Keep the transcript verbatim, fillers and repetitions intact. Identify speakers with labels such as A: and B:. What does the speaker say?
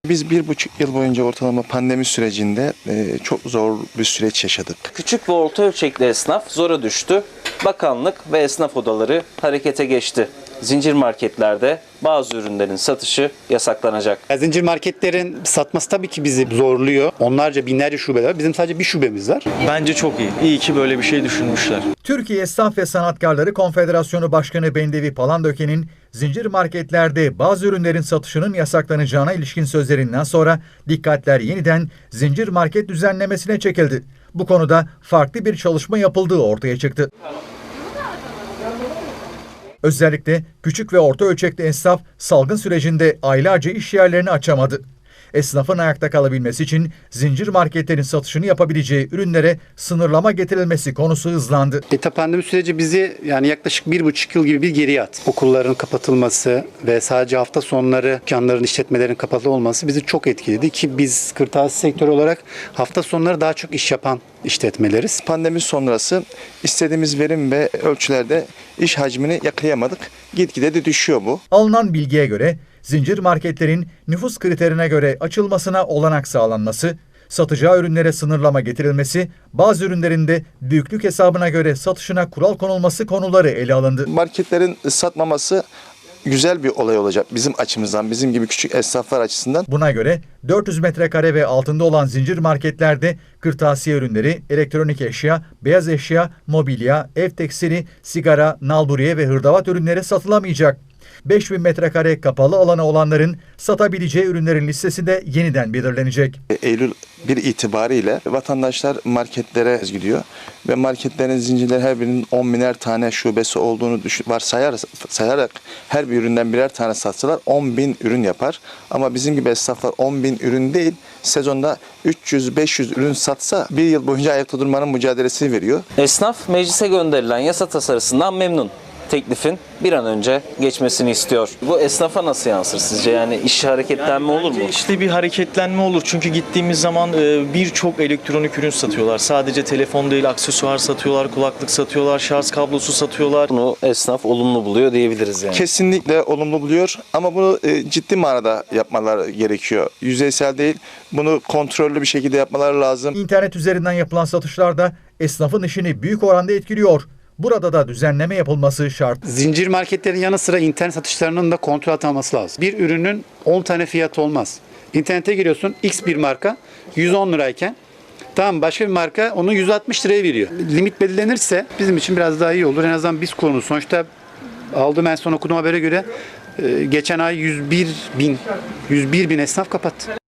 A: Biz bir buçuk yıl boyunca ortalama pandemi sürecinde e, çok zor bir süreç yaşadık.
B: Küçük ve orta ölçekli esnaf zora düştü. Bakanlık ve esnaf odaları harekete geçti. Zincir marketlerde bazı ürünlerin satışı yasaklanacak.
C: Zincir marketlerin satması tabii ki bizi zorluyor. Onlarca binlerce şubeler var. Bizim sadece bir şubemiz var.
D: Bence çok iyi. İyi ki böyle bir şey düşünmüşler.
E: Türkiye Esnaf ve Sanatkarları Konfederasyonu Başkanı Bendevi Palandöken'in zincir marketlerde bazı ürünlerin satışının yasaklanacağına ilişkin sözlerinden sonra dikkatler yeniden zincir market düzenlemesine çekildi. Bu konuda farklı bir çalışma yapıldığı ortaya çıktı. Özellikle küçük ve orta ölçekli esnaf salgın sürecinde aylarca iş yerlerini açamadı. Esnafın ayakta kalabilmesi için zincir marketlerin satışını yapabileceği ürünlere sınırlama getirilmesi konusu hızlandı.
C: E, pandemi süreci bizi yani yaklaşık bir buçuk yıl gibi bir geriye attı. Okulların kapatılması ve sadece hafta sonları dükkanların, işletmelerin kapalı olması bizi çok etkiledi ki biz kırtasiye sektörü olarak hafta sonları daha çok iş yapan işletmeleriz.
A: Pandemi sonrası istediğimiz verim ve ölçülerde iş hacmini yakalayamadık. Gitgide de düşüyor bu.
E: Alınan bilgiye göre zincir marketlerin nüfus kriterine göre açılmasına olanak sağlanması, satacağı ürünlere sınırlama getirilmesi, bazı ürünlerin de büyüklük hesabına göre satışına kural konulması konuları ele alındı.
A: Marketlerin satmaması güzel bir olay olacak bizim açımızdan, bizim gibi küçük esnaflar açısından.
E: Buna göre dört yüz metrekare ve altında olan zincir marketlerde kırtasiye ürünleri, elektronik eşya, beyaz eşya, mobilya, ev tekstili, sigara, nalburiye ve hırdavat ürünleri satılamayacak. beş bin metrekare kapalı alanı olanların satabileceği ürünlerin listesi de yeniden belirlenecek.
A: Eylül bir itibariyle vatandaşlar marketlere gidiyor ve marketlerin zincirleri her birinin on biner tane şubesi olduğunu varsayar, sayarak her bir üründen birer tane satsalar on bin ürün yapar. Ama bizim gibi esnaflar on bin ürün değil, sezonda üç yüz beş yüz ürün satsa bir yıl boyunca ayakta durmanın mücadelesini veriyor.
B: Esnaf meclise gönderilen yasa tasarısından memnun. Teklifin bir an önce geçmesini istiyor. Bu esnafa nasıl yansır sizce? Yani iş hareketlenme olur mu?
D: İşte bir hareketlenme olur. Çünkü gittiğimiz zaman birçok elektronik ürün satıyorlar. Sadece telefon değil, aksesuar satıyorlar, kulaklık satıyorlar, şarj kablosu satıyorlar.
B: Bunu esnaf olumlu buluyor diyebiliriz yani.
A: Kesinlikle olumlu buluyor ama bunu ciddi manada yapmaları gerekiyor. Yüzeysel değil, bunu kontrollü bir şekilde yapmaları lazım.
E: İnternet üzerinden yapılan satışlar da esnafın işini büyük oranda etkiliyor. Burada da düzenleme yapılması şart.
C: Zincir marketlerin yanı sıra internet satışlarının da kontrol altına alınması lazım. Bir ürünün on tane fiyatı olmaz. İnternete giriyorsun, X bir marka yüz on lirayken tamam başka bir marka onu yüz altmış liraya veriyor. Limit belirlenirse bizim için biraz daha iyi olur. En azından biz kullanırız. Sonuçta aldığım en son okuduğum habere göre geçen ay yüz bir bin yüz bir bin esnaf kapattı.